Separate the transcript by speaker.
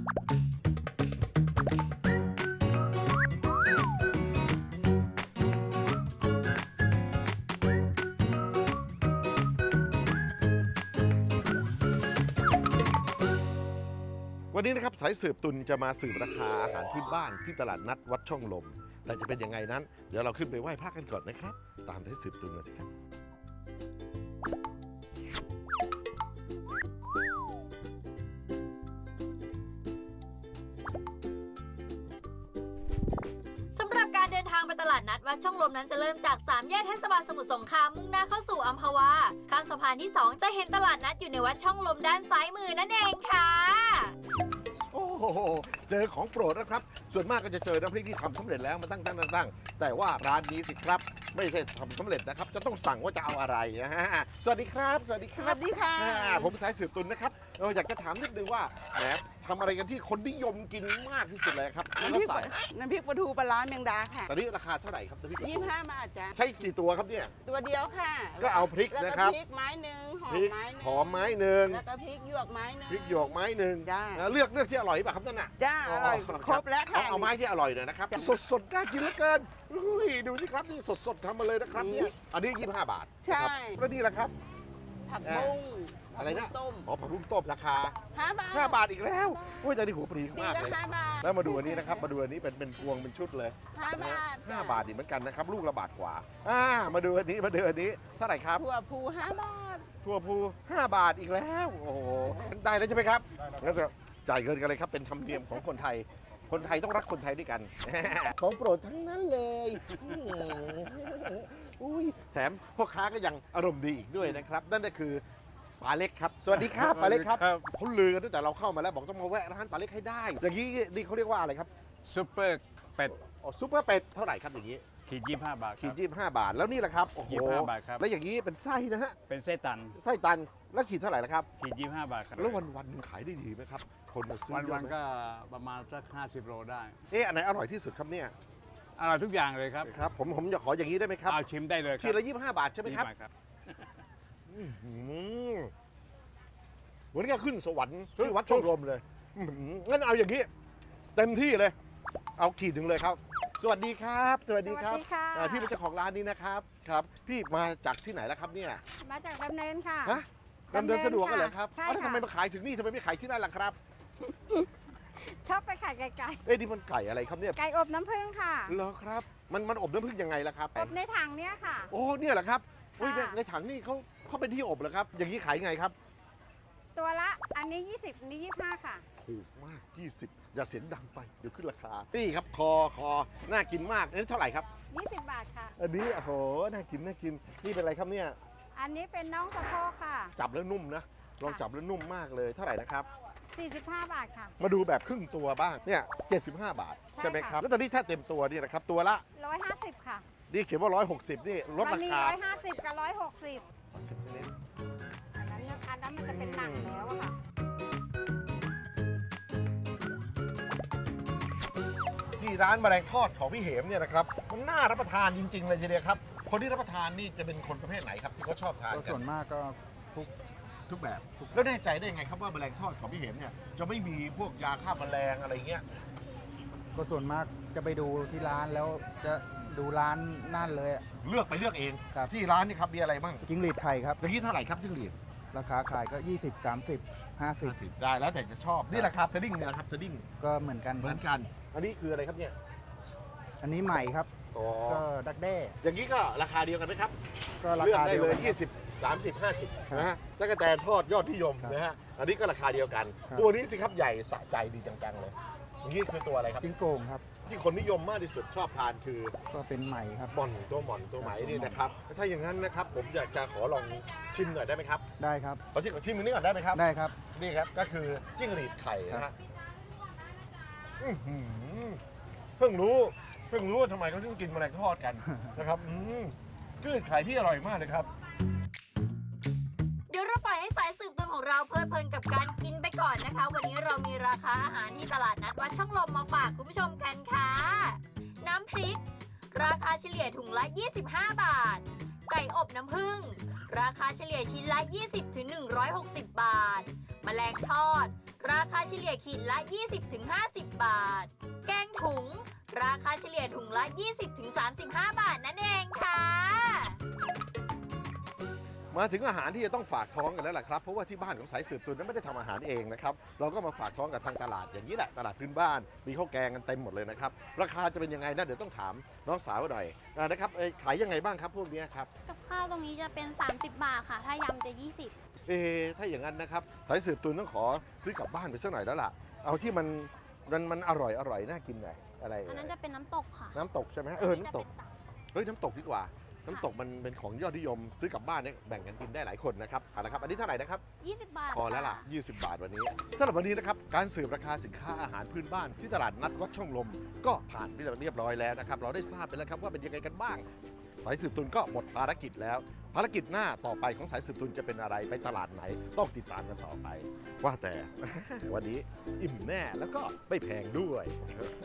Speaker 1: วันนี้นะครับสายสืบตุนจะมาสืบราคาอาหารพื้นบ้านที่ตลาดนัดวัดช่องลมแต่จะเป็นยังไงนั้นเดี๋ยวเราขึ้นไปไหว้พระกันก่อนนะครับตามสายสืบตุนเลยครับ
Speaker 2: สำหรับการเดินทางไปตลาดนัดวัดช่องลมนั้นจะเริ่มจาก3แยกเทศบาลสมุทรสงครามมุ่งหน้าเข้าสู่อัมพวาข้ามสะพานที่2จะเห็นตลาดนัดอยู่ในวัดช่องลมด้านซ้ายมือนั่นเองค่ะ
Speaker 1: โอ้โหเจอของโปรดนะครับส่วนมากก็จะเจอน้ำพริกที่ทำสำเร็จแล้วมาตั้งแต่ว่าร้านนี้สิครับไม่ใช่ทำสำเร็จนะครับจะต้องสั่งว่าจะเอาอะไรนะฮะสวัสดีครับสวัสดีครับ
Speaker 3: สวัสดีค่ะ
Speaker 1: ผมสายสืบตุนนะครับอยากจะถามนิดนึงว่าแหมทำอะไรกันที่คนนิยมกินมากที่สุดเลยครับแล้วก็สั่ง
Speaker 3: น้ำพริกปลาทูปลาร้าแมงดาค่ะ
Speaker 1: ตอนนี้ราคาเท่าไหร่ครับน้ำพริกปลาทู
Speaker 3: 25 บาทจ้ะ
Speaker 1: ใช้กี่ตัวครับเนี่ย
Speaker 3: ตัวเดียวค่ะ
Speaker 1: ก็เอาพริก
Speaker 3: แล้ว
Speaker 1: นะ
Speaker 3: ก็
Speaker 1: ครับ
Speaker 3: พริกไม้หนึ่งหอ
Speaker 1: พ
Speaker 3: ม
Speaker 1: ริก
Speaker 3: ไม้หนึ่ง
Speaker 1: หอมไม้หนึ่ง
Speaker 3: แล้วก็พริกหยวกไม้หนึ่ง
Speaker 1: พริกหยวกไม้หนึ่ง
Speaker 3: จ้า
Speaker 1: เลือกที่อร่อยป่ะครับนั่นน่ะ
Speaker 3: จ้าอร่อยครบแล้วค่ะ
Speaker 1: เอาไม้ที่อร่อยหน่อยนะครับสดน่ากินเหลือเกินอุ้ยดูสิครับนี่สดทำมาเลยนะครับเนี่ยอันนี้25 บาท
Speaker 3: ใช่
Speaker 1: นะครับแล้วนี่ล่ะครับ
Speaker 3: ผักบุ้ง
Speaker 1: อะไรนะ
Speaker 3: ผักบุ้งต้ม
Speaker 1: อ๋อผักบุ้งต้มราคา
Speaker 3: 5 บาท
Speaker 1: 5 บาทอีกแล้วโอ้ยใจดีหัวปรี
Speaker 3: ปี
Speaker 1: มาก
Speaker 3: ละ
Speaker 1: เลย
Speaker 3: 5 บาท
Speaker 1: แล้วมาดูอันนี้นะครับมาดูอันนี้เป็นพวงเป็นชุดเลย
Speaker 3: 5 บาท
Speaker 1: 5 บาทอีกเหมือนกันนะครับลูกละบาทกว่ามาดูอันนี้เท่าไหร่ครับ
Speaker 3: ถั่วพู5 บาท
Speaker 1: ทั่วภู5 บาทอีกแล้วโอ้โหได้แล้วใช่ไหมครับงั้นก็จ่ายเงินกันเลยครับเป็นธรรมเนียมของคนไทยต้องรักคนไทยด้วยกัน ของโปรดทั้งนั้นเลยอุ้ยแถมพ่อค้าก็ยังอารมณ์ดีอีกด้วยนะครับนั่นก็คือปลาเล็กครับสวัสดีครับปลาเล็กครับเขาลือกันตั้งแต่เราเข้ามาแล้วบอกต้องมาแวะร้านปลาเล็กให้ได้อย่างนี้นี่เขาเรียกว่าอะไรครับ
Speaker 4: ซุปเปอร์เป็ด
Speaker 1: อ๋อซุปเปอร์เป็ดเท่าไหร่ครับอย่างนี้
Speaker 4: ขีด25 บาทค
Speaker 1: ขี
Speaker 4: รั
Speaker 1: ด25 บาทแล้วนี่แหละครับโอ้โห
Speaker 4: 25 บาทครับ
Speaker 1: แล้วอย่างนี้เป็นไส้นะฮะ
Speaker 4: เป็นไส้ตัน
Speaker 1: ไส้ตันแล้วขีดเท่าไหร่ละครับ
Speaker 4: ขีด25 บาทครับ
Speaker 1: แล้ววันๆนึงขายได้ดีไหมครับคนมาซื้อ
Speaker 4: วัน
Speaker 1: เย
Speaker 4: วั
Speaker 1: อะ
Speaker 4: น
Speaker 1: ไหม
Speaker 4: ก็ประมาณสัก50 โลได้
Speaker 1: อันไหนอร่อยที่สุดครับเนี่ย
Speaker 4: อร่อยทุกอย่างเลยครับ
Speaker 1: ครับผมอยากขออย่างนี้ได้ไหมครับ
Speaker 4: เอาชิมได้เลยค
Speaker 1: ขี
Speaker 4: รั
Speaker 1: ดละ25 บาทใช่ไหมครับ
Speaker 4: 20 บาทครับ
Speaker 1: เหมือนกับขึ้นสวรรค์ที่วัดช่องลมเลยงั้นเอาอย่างนี้ เต็มที่เลย เอาขีดหนึ่งเลยครับ สวัสดีครับสวัสดีครับ
Speaker 5: สวัสดีค่ะ
Speaker 1: พี่เป็นเจ้าของร้านนี้นะครับครับ พี่มาจากที่ไหนแล้วครับเนี่ย
Speaker 5: มาจากดำเนินค่ะ
Speaker 1: ฮะดำเนินสะดวกกันเหรอครับ
Speaker 5: ใช่
Speaker 1: แล้ว
Speaker 5: ค่ะ
Speaker 1: ทำไมมาขายถึงนี่ทำไมไม่ขายที่นั่นล่ะครับ
Speaker 5: ชอบไปขายไก่
Speaker 1: นี่มันไก่อะไรครับเนี่ย
Speaker 5: ไก่อบน้ำผึ้งค่ะ
Speaker 1: เหรอครับมันอบน้ำผึ้งยังไงล่ะครับ
Speaker 5: อบในถังเนี้ยค่ะ
Speaker 1: โอ้เนี่ยเหรอครับอุ้ย
Speaker 5: ค่ะ
Speaker 1: ในถังนี่เขาเป็นที่อบเหรอครับ อย่างนี้ขายไงครับ
Speaker 5: ตัวละอันนี้ 20อันนี้25 ค่ะ
Speaker 1: ถูกมาก 20 อย่าเสียงดังไปเดี๋ยวขึ้นราคานี่ครับคอน่ากินมากอันนี้เท่าไหร่ครับ
Speaker 5: 20 บาทค่ะ
Speaker 1: อันนี้โอ้โหน่ากินนี่เป็นอะไรครับเนี่ย
Speaker 5: อันนี้เป็นน้องสะโพกค่ะ
Speaker 1: จับแล้วนุ่มนะลองจับแล้วนุ่มมากเลยเท่าไหร่นะครับ
Speaker 5: 45 บาทค่ะ
Speaker 1: มาดูแบบครึ่งตัวบ้างเนี่ย75 บาาท
Speaker 5: ใช่
Speaker 1: ใช่ไหมครับ
Speaker 5: ค่ะ
Speaker 1: แล้วตอนนี้ถ้าเต็มตัวนี่นะครับตัวละ
Speaker 5: 150 ค่ะ
Speaker 1: นี่เขียนว่า160นี่ลด
Speaker 5: มั
Speaker 1: รา
Speaker 5: มี
Speaker 1: คา
Speaker 5: 150 กับ 160
Speaker 1: ขอชิมสักนิด
Speaker 5: อันนั้นมันจะเป็นหนังแล้วอะค่ะ
Speaker 1: ที่ร้านแมลงทอดของพี่เหมเนี่ยนะครับมันน่ารับประทานจริง ๆ เลยทีเดียวครับคนที่รับประทานนี่จะเป็นคนประเภทไหนครับที่เขาชอบทาน
Speaker 6: ก็
Speaker 1: กั
Speaker 6: ส่วน
Speaker 1: น
Speaker 6: มากก็ทุก
Speaker 1: ทุกแบบแล้วแน่ใจได้ยังไงครับว่าแมลงทอดของพี่เหมเนี่ยจะไม่มีพวกยาฆ่าแมลงอะไรเงี้ย
Speaker 6: ก็ส่วนมากจะไปดูที่ร้านแล้วจะดูร้านนั่นเลยอะ
Speaker 1: เลือกเอง
Speaker 6: ครับ
Speaker 1: ที่ร้านนี่ครับมีอะไรบ้าง
Speaker 6: จิ้งหรีดไข่ครับ
Speaker 1: อย่างนี้เท่าไหร่ครับจิ้งหรีด
Speaker 6: ราคาขายก็ 20 30 50
Speaker 1: ได้แล้วแต่จะชอบนี่แหละครับสดิ้งเนี่ยแหละครับสดิ้ง
Speaker 6: ก็เหมือนกัน
Speaker 1: เหมือนกัน อันนี้คืออะไรครับเนี่ย
Speaker 6: อันนี้ใหม่ครับ
Speaker 1: อ๋อ
Speaker 6: ก็ดักแด้
Speaker 1: อย่างนี้ก็ราคาเดียวกันไหมครับ
Speaker 6: ก็รา
Speaker 1: เลือก
Speaker 6: คา
Speaker 1: ได้
Speaker 6: เดียว
Speaker 1: เลย
Speaker 6: กันครับ
Speaker 1: 20 30
Speaker 6: ครับ
Speaker 1: 50นะฮะแล้วก็แตนทอดยอดนิยม
Speaker 6: ครับ
Speaker 1: นะฮะอันนี้ก็ราคาเดียวกัน
Speaker 6: ครับ
Speaker 1: ตัวนี้สิครับใหญ่สะใจดีจังๆเลยอย่างนี้คือตัวอะไรครับ
Speaker 6: จิ้งโกงครับ
Speaker 1: ที่คนนิยมมากที่สุดชอบทานคือ
Speaker 6: ก็เป็นใหม่ครับ
Speaker 1: หม่อนตัวไหมนี่นะครับถ้าอย่างนั้นนะครับผมอยากจะขอลองชิมหน่อยได้ไหมครับ
Speaker 6: ได้ครับ
Speaker 1: ขอชิมอันนี้ก่อนได้ไหมครับ
Speaker 6: ได้ครับ
Speaker 1: นี่ครับก็คือจิ้งหรีดไข่นะฮะอื้อหือเพิ่งรู้ว่าทำไมเขาถึงกินแมลงทอดกัน นะครับจิ้งหรีดไข่ที่อร่อยมากเลยครับ
Speaker 2: เดี๋ยวเราปล่อยให้สายสืบตุนของเราเพลิดเพลินกับการกินไปก่อนนะคะ วันนี้เรามีราคาอาหารที่ตลาดนัดวัดช่องลมมาฝากคุณผู้ชมกันค่ะ น้ำพริก ราคาเฉลี่ยถุงละ 25 บาท ไก่อบน้ำผึ้งราคาเฉลี่ยชิ้นละ 20 ถึง 160 บาท แมลงทอดราคาเฉลี่ยขีดละ 20-50 บาท แกงถุง ราคาเฉลี่ยถุงละ 20-35 บาทนั่นเองค่ะ
Speaker 1: มาถึงอาหารที่จะต้องฝากท้องกันแล้วล่ะครับเพราะว่าที่บ้านของสายสืบตุนนั้นไม่ได้ทำอาหารเองนะครับเราก็มาฝากท้องกับทางตลาดอย่างนี้แหละตลาดพื้นบ้านมีข้าวแกงกันเต็มหมดเลยนะครับราคาจะเป็นยังไงนะเดี๋ยวต้องถามน้องสาวหน่อยนะครับขายยังไงบ้างครับพวกนี้ครับ
Speaker 7: กับข้าวตรงนี้จะเป็น 30 บาทค่ะ ถ้ายำจะ 20
Speaker 1: ถ้าอย่างนั้นนะครับสายสืบตุนต้องขอซื้อกลับบ้านไปสักหน่อยแล้วล่ะเอาที่มันอร่อยน่ากินหน่อยอะไร
Speaker 7: อันนั้นจะเป็นน้ำตกค่ะ
Speaker 1: น้ำตกใช่ไหม
Speaker 7: อั
Speaker 1: น้ำตก เฮ้ยน้ำตกดีกว่า น้ำตกมันเป็นของยอดนิยมซื้อกลับบ้านเนี่ยแบ่งกันกินได้หลายคนนะครับเอาละครับ อันนี้เท่าไหร่นะครับ
Speaker 7: 20 บาท
Speaker 1: พอแล้วล่ะ
Speaker 7: ค่
Speaker 1: 20 บาทวันนี้สำหรับวันนี้นะครับ การสืบราคาสินค้าอาหารพื้นบ้านที่ตลาดนัดวัดช่องลม ก็ผ่านไปเรียบร้อยแล้วนะครับ เราได้ทราบไปแล้วครับว่าเป็นยังไงกันบ้าง สายสืบตุนก็หมดภารกิจแล้ว ภารกิจหน้าต่อไปของสายสืบตุนจะเป็นอะไร ไปตลาดไหน ต้องติดตามกันต่อไป ว่าแต่ วันนี้อิ่มแน่แล้วก็ไม่แพงด้วย